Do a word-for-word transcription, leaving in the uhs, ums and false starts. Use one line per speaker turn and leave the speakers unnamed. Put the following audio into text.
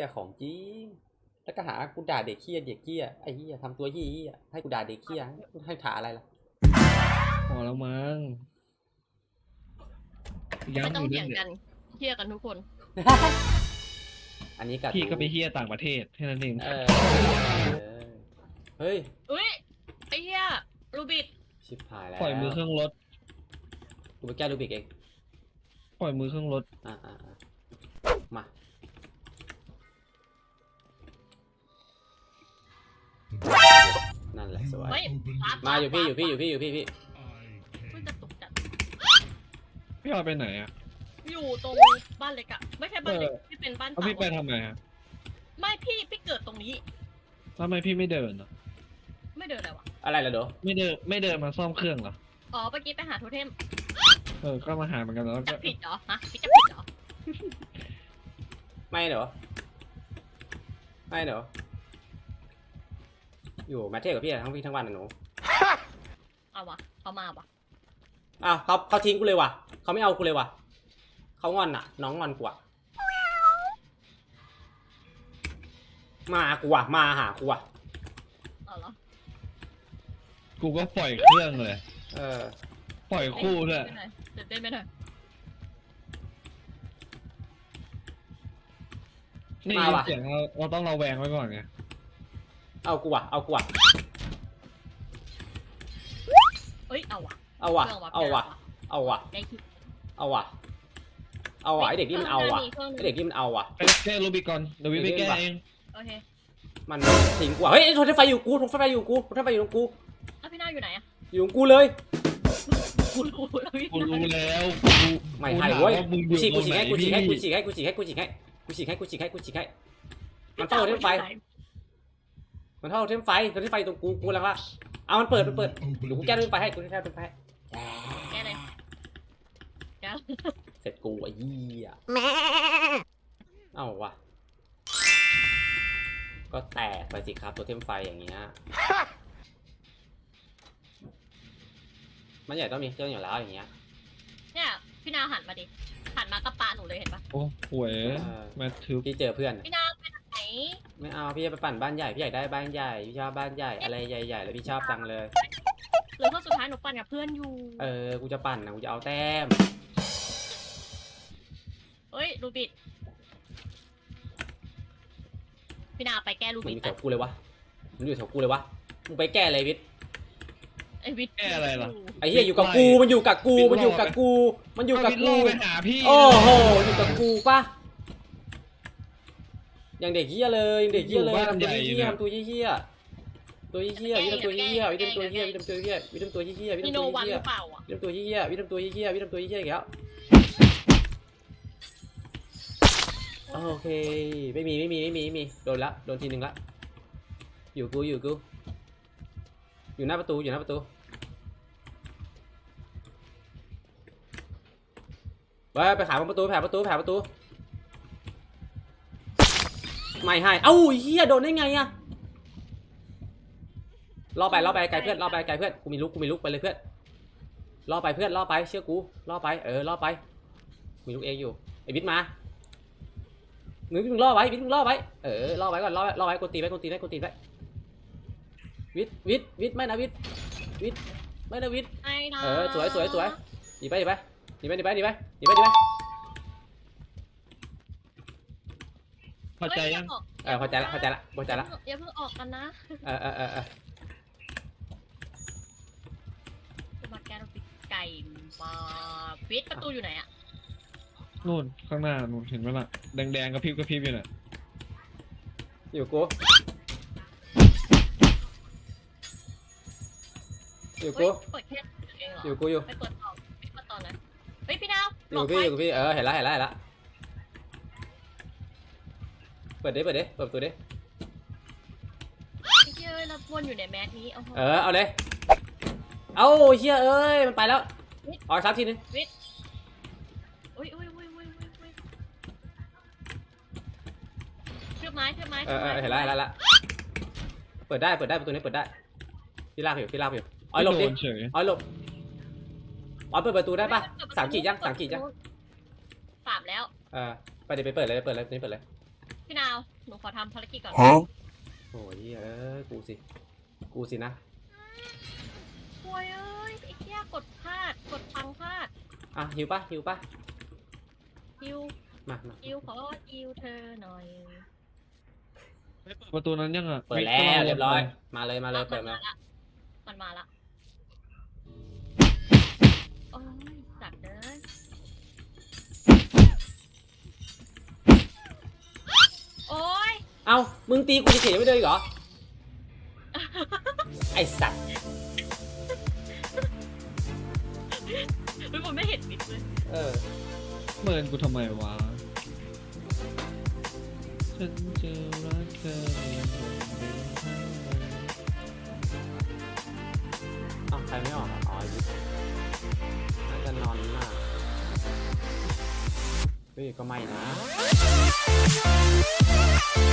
ของจริงแล้วก็หากูด่าเด็กเฮี้ยเด็กเฮี้ยไอ้เฮี้ยทำตัวเฮี้ยให้กูด่าเด็กเฮี้ยให้ถาอะไรล่ะ
พอแล้วมั้ง
ไม่ต้องเถียงกันเฮี้ยกันทุกคน
อันนี้กับ
พี่ก็ไปเฮี้ยต่างประเทศแค่นั้นเอง
เออเฮ้ย
อุ้ยไอ้เฮี้ยรูบิด
ชิบหายแล้ว
ปล่อยมือเครื่องรถ
กูไปแก้รูบิกเอง
ปล่อยมือเครื่องรถ
อ่าอ่ามานั่นแหละสวยมาอยู่พี่อยู่พี่อยู่พี่อยู่พี่พี่
พี่จะตกจัด
พี่เอาไปไหนอ่ะ
อยู่ตรงบ้านเล็กอะไม่ใช่บ้านเล็กที่เป็นบ้านเต่า
พี่ไปทำไมฮะ
ไม่พี่พี่เกิดตรงนี้
ทำไมพี่ไม่เดินอ่ะ
ไม่เดินอะไรวะ
อะไรล่ะโด
ไม่เดินไม่เดินมาซ่อมเครื่องเหรอ
อ๋อเมื่อกี้ไปหาโทเทม
เออก็มาหาเหมือนกันแล้ว
จะผิดเหรอฮะพี่จะผิดเหรอ
ไม่เหรอไม่เหรออยู่มาเที่ยวกับพี่ทั้งพี่ทั้งวันนะหนู
เอาวะเขามาวะ
อ้าวเขาเขาทิ้งกูเลยว่ะเขาไม่เอากูเลยว่ะเขางอนอ่ะน้องงอนกูอ่ะมากูอ่ะมาหากูอ่ะ
เอาเหรอ
กูก็ปล่อยเครื่องเลย
เออ
ปล่อยคู่ด้วย
เต้นเต้นไปหน่อย
นี่เสียงเราเราต้องระแวงไว้ก่อนไง
เอากูอ่ะเอากูอ่ะ
เอ้ยเอาวะ
เอาวะเอาวะเอาวะเอาวะเอาวะไอเด็กนี่มันเอาวะไอเด็กนี่มันเอาวะ
ไปแก้รูบิกก่อนเดี๋ยววิไปแก้เอง
โอเค
มันทิ้งกูเฮ้ยโทรไฟอยู่กูโทรไฟอยู่กูโทรไฟอยู่ตรงกู
แล้วพี่น้าอยู่ไหนอะ
อยู่ตรงกูเลย
กูรู้แล้วพี่
กูรู้แล้ว
ไม่ให้เว้ยกูฉีกกูฉีกให้กูฉีกให้กูฉีกให้กูฉีกให้กูฉีกให้กูฉีกให้กูฉีกให้กูฉีกให้มันเท่าเทมไฟมันเท่าเทมไฟเทมไฟตรงกูกูแล้วละเอามันเปิดมันเปิดเดี๋ยวกูแก้เทมไฟให้กูแก้เทมไฟ
แก้เลยแก้
เสร็จกูไอ้ยี่อ่ะเอ้าวะก็แตกไปสิครับตัวเทมไฟอย่างเงี้ยมันใหญ่ต้องมีเครื่องอยู่แล้วอย่างเงี้ย
เนี่ยพี่นาหันมาดิหันมากระปะหนูเลยเห็นปะ
โอ้หวยมาถือ
พี่เจอเพื่อน
พี่นาไปไหน
ไม่เอาพี่จะไปปั่นบ้านใหญ่พี่อยากได้บ้านใหญ่พี่ชอบบ้านใหญ่อะไรใหญ่ๆแล้วพี่ชอบจังเลย
หรือว่าสุดท้ายหนูปั่นกับเพื่อนอยู่
เออกูจะปั่นนะกูจะเอาแต้ม
เฮ้ยรูบิดพี่นาไปแก้รูบิด
มันอยู่แถวกูเลยวะมันอยู่แถวกูเลยวะมึงไปแก้เลยวิท
ไอวิท
แก้อะไรล่ะ
ไอเหี้ยอยู่กับกูมันอยู่กับกูมันอยู่กับกูมันอยู่กับกู
ไปหาพี่
โอ้โหอยู่กับกูป่ะอย่างเด็กเหี้ยเลยอย่างเด็กเหี้ยเลยทำตัวเหี้ยทำตัวเหี้ยตัวเหี้ยวิทำตัวเหี้ยวิทำตัวเหี้ยวิทำตัวเหี้ยวิทำตัวเหี้ยวิทำตัวเหี้ยวิทำตัวเหี้ยวิทำตัวเหี้ยวิทำตัวเหี้ยวิทำตัวเหี้ยอีกแล้วโอเคไม่มีไม่มีไม่มีไม่มีโดนละโดนทีหนึ่งละอยู่กูอยู่กูอยู่หน้าประตูอยู่หน้าประตูไปไปหาประตูแผลประตูแผลประตูไม่ให้เอ้าเฮียโดนได้ไงอะล่อไปล่อไปไกลเพื่อนล่อไปไกลเพื่อนกูมีลุกกูมีลุกไปเลยเพื่อนล่อไปเพื่อนล่อไปเชื่อกูล่อไปเออล่อไปมีลุกเองอยู่ไอ้บิ๊กมาหนึ่งมึงล่อไว้วิทมึงล่อไว้เออล่อไว้ก่อนล่อล่อไว้กดตีไว้กดตีไว้กดตีไว้วิทวิทวิทไม่นะวิทวิทไม่นะวิทเออสวยสวยสวยหนีไปหนีไปหนีไปหนีไปหนีไปหนีไปหนีไป
เข้าใจยัง
เออเข้าใจละเข้าใจละเข้าใจละ
อย่าเพิ่งออกกันนะ
เออเออเออเออ
มาแกเราปิดไก่มาปิดประตูอยู่ไหนอะ
นู่นข้างหน้านู่นเห็นไหมล่ะแดงๆกระพริบกระพริบอยู่น่ะ
อยู่กูอยู่กูอยู่กูอยู่
ไปเปิดต่อไปเปิดต่อนะเฮ้ยพี่ดาว
อยู่พี่อยู่พี่เออเห็นแล้วเห็นแล้วเห็นแล้วเปิดดิเปิดดิเปิดประตูดิ
เฮ้ยเราวนอยู่ในแมสนี้
เออเอาเลยเอาเฮียเอ้ยมันไปแล้วออกซับทีนึง
อุ้ยอุ้ยอุ้ยอุ้ยอุ้ยเชือกไม้เชือกไม้
เออเห็นแล้วเห็นแล้วเปิดได้เปิดได้ประตูนี้เปิดได้พี่ลากอยู่พี่ลากอยู่อ๋อหลบดิอ๋อหลบอ๋อเปิดประตูได้ปะสามขีดยังสามขีดยัง
สามแล้ว
เออไปเดี๋ยวไปเปิดเลยเปิดเลยนี่เปิดเลย
พี่นาวหนูขอทำภารกิจก่อน
Huh?
โอ้ยเอ้ยกูสิกูสินะ
โวยเอ้ยไอ้เหี้ยกดพลาดกดพังพลาด
อ่ะหิวปะหิวปะ
ฮิว
มามา
ฮิวขอฮิวเธอหน่อย
ประตูนั้นยังอ่ะ
เปิดแล้วเรียบร้อยมาเลยมาเลยเปิดมา
ละมันมาละโอ้ยจัดเลยโอ้ย
เอ้ามึงตีกูเฉยๆไม่ได้อีกเหรอไอสัตว์
เฮ้ยผมไม่เห็นมิดเลย
เออ
เมินกูทำไมวะฉันจะรักเธออย่างเดิมเท่าเดิม
เอ้าใครไม่ออกอ่ะอ๋อไอ้บิ๊กน่าจะนอนมากเฮ้ยก็ไม่นะ